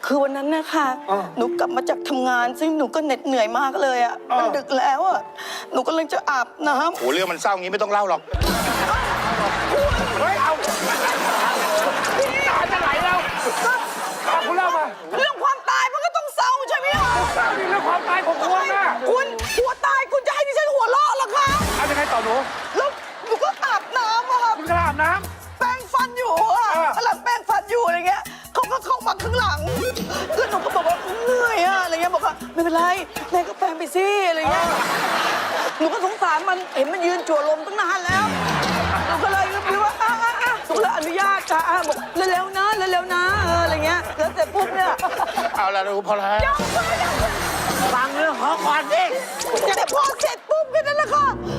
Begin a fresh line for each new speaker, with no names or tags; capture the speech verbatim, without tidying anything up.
คือวันนั้นนะคะหนูกลับมาจากทำงาน ซึ่งหนูก็เหน็ดเหนื่อยมากเลยอ่ะมันดึกแล้วอ่ะหนูก็เลยจะอาบน้ำ
โหเรื่องมันเศร้างี้ไม่ต้องเล่าหรอกเฮ้ยเอาตาจะไหลแล้วคุณเล่ามา
เรื่องความตายมันก็ต้องเศร้าใช่ไหมคะ
เศร้านี่เรื่องความตายของคุณนะ
คุณหัวตายคุณจะให้ดิฉันหัวเราะเหรอคะ
เอายังไงต่อหนู
แล้วหนูก็อาบน้ำอะค่ะ
คุณกระอาบน้
แปรงฟันอยู่อะกำลังแปรงฟันอยู่อะไรเงี้ยเขาก็เข้ามาข้างหลังแล้วหนูก็บอกว่าเหนื่อยอะอะไรเงี้ยบอกว่าไม่เป็นไรแม่ก็แปรงไปสิอะไรเงี้ยหนูก็สงสารมันเห็นมันยืนจั่วลมตั้งนานแล้วหนูก็เลยคิดว่าอ่ะอ่ะอ่ะหนูก็เลยอนุญาตค่ะอ่ะบอกเร็วๆนะเร็วๆนะเอออะไรเงี้ยแล้วเสร็จปุ๊บเนี่ย
ำเอาละดูพอแล้ว
ยังไม่ยัง
ฟังเรื่องเขาก่อนสิ
แต่พอเสร็จปุ๊บแค่นั้นแหละค่ะ